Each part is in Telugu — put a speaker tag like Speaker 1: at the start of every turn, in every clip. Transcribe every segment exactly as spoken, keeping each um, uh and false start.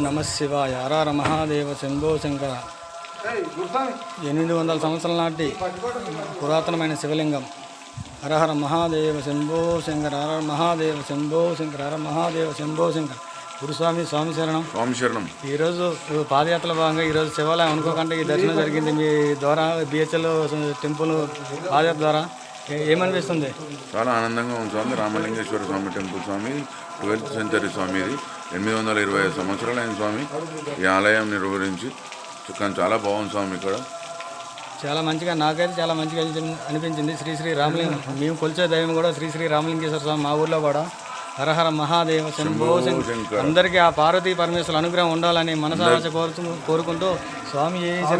Speaker 1: నమ శివాయ. హర మహాదేవ శంభో శంకర. ఎనిమిది వందల సంవత్సరాల నాటి పురాతనమైన శివలింగం. హరహర మహాదేవ శంభో శంకర. హర మహాదేవ శంభో శంకర. హర మహాదేవ శంభో శంకర. గురుస్వామి స్వామి శరణం.
Speaker 2: స్వామి శరణం.
Speaker 1: ఈరోజు పాదయాత్రలో భాగంగా ఈరోజు శివాలయం అనుకోకుండా ఈ దర్శనం జరిగింది. మీ ద్వారా బిహెచ్ఎల్ టెంపుల్ పాదయాత్ర ద్వారా ఏమనిపిస్తుంది?
Speaker 2: చాలా ఆనందంగా ఉంది స్వామి. రామలింగేశ్వర స్వామి టెంపుల్ స్వామి, ట్వెల్త్ సెంచరీ స్వామి. ఇది ఎనిమిది వందల ఇరవై ఐదు సంవత్సరాలైన స్వామి ఈ ఆలయం నిర్వహించి. కానీ చాలా బాగుంది స్వామి. ఇక్కడ
Speaker 1: చాలా మంచిగా, నాకైతే చాలా మంచిగా అనిపించింది. శ్రీ శ్రీ రామలింగం, మేము కొలిచే దైవం కూడా శ్రీ శ్రీ రామలింగేశ్వర స్వామి. మా ఊర్లో కూడా హరహర మహాదేవ శంభో శంకర. అందరికీ ఆ పార్వతీ పరమేశ్వరుల అనుగ్రహం ఉండాలని మనసావాస కోరుతూ కోరుకుంటూ స్వామి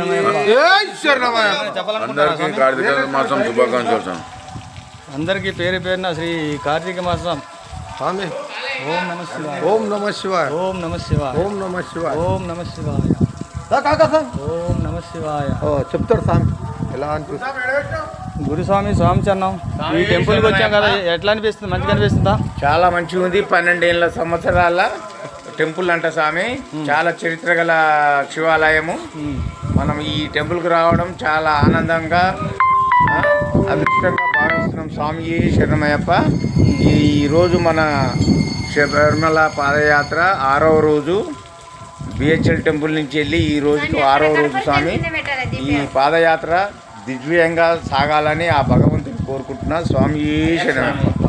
Speaker 2: శుభాకాంక్షలు.
Speaker 1: అందరికీ పేరు పేరున శ్రీ కార్తీక మాసం
Speaker 3: స్వామి.
Speaker 1: ఓం నమ శివాయ.
Speaker 3: ఓం నమ శివాయ.
Speaker 1: ఓం నమ శివాయ.
Speaker 3: ఓం నమ శివాయ.
Speaker 1: ఓం నమ శివాయ. ఓం నమ శివాయ.
Speaker 3: చెప్తాడు స్వామి ఎలా అనిపిస్తుంది.
Speaker 1: గురుస్వామి స్వామి చరణం. ఈ టెంపుల్కి వచ్చాం కదా, ఎట్లా అనిపిస్తుంది? మంచిగా అనిపిస్తుందా?
Speaker 4: చాలా మంచిగా ఉంది. పన్నెండేళ్ళ సంవత్సరాల టెంపుల్ అంట స్వామి. చాలా చరిత్ర గల శివాలయము. మనం ఈ టెంపుల్కి రావడం చాలా ఆనందంగా అదృష్టంగా భావిస్తున్నాం. స్వామి శరణమయ్యప్ప. ఈరోజు మన శబరిమల పాదయాత్ర ఆరవ రోజు. బిహెచ్ఎల్ టెంపుల్ నుంచి వెళ్ళి ఈ రోజుకు ఆరవ రోజు స్వామి. ఈ పాదయాత్ర దివ్యంగా సాగాలని ఆ భగవంతుని కోరుకుంటున్నా. స్వామి శరణమయ్యప్ప.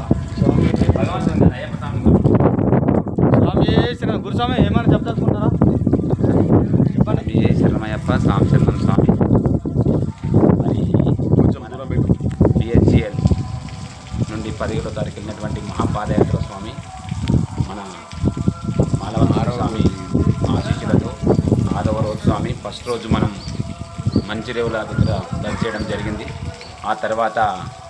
Speaker 1: స్వామి శరణం. గురుస్వామి ఏమైనా చెప్తారా?
Speaker 5: స్వామి శరణమయ్యప్ప. స్వామి శరణం స్వామి. మరి బిహెచ్ఎల్ నుండి పదిహేడో తారీఖు వెళ్ళినటువంటి మహాపాదయాత్ర స్వామి మన మాలవ స్వామి ఆశీస్సులతో ఆదవ రోజు స్వామి. ఫస్ట్ రోజు మనం మంచిరేవుల దగ్గర బస్ చేయడం జరిగింది. ఆ తర్వాత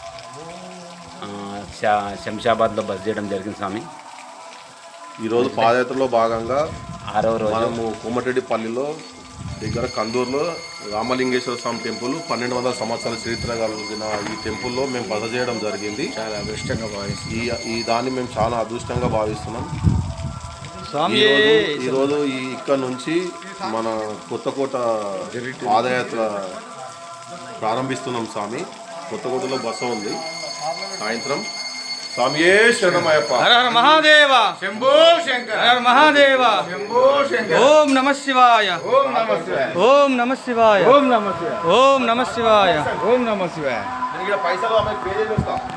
Speaker 5: శంషాబాద్లో బస్ చేయడం జరిగింది స్వామి.
Speaker 6: ఈరోజు పాదయాత్రలో భాగంగా
Speaker 5: ఆరవ రోజు
Speaker 6: మనము కోమటిరెడ్డిపల్లిలో దగ్గర కందూరులో రామలింగేశ్వర స్వామి టెంపుల్ పన్నెండు వందల సంవత్సరాల చరిత్ర కలిగిన ఈ టెంపుల్లో మేము బస చేయడం జరిగింది.
Speaker 4: చాలా అదృష్టంగా భావిస్తున్నాం.
Speaker 6: ఈ ఈ దాన్ని మేము చాలా అదృష్టంగా భావిస్తున్నాం.
Speaker 1: స్వామి
Speaker 6: ఈరోజు ఈ ఇక్కడ నుంచి మన కొత్తకోట పాదయాత్ర ప్రారంభిస్తున్నాం స్వామి. కొత్తకోటలో బస ఉంది. సాయంత్రం స్వామి శరణమయ్యప్ప.
Speaker 1: హర హర మహాదేవ
Speaker 4: శంభో శంకర.
Speaker 1: హర మహాదేవ
Speaker 4: శంభో శంకర.
Speaker 1: ఓం నమ శివాయ.
Speaker 4: ఓం నమ శివాయ.
Speaker 1: ఓం నమ శివాయ.
Speaker 4: ఓం నమ శివాయ.
Speaker 1: ఓం నమ శివాయ.
Speaker 4: ఓం నమ శివాయ.
Speaker 6: పైసలు పే చేస్తా.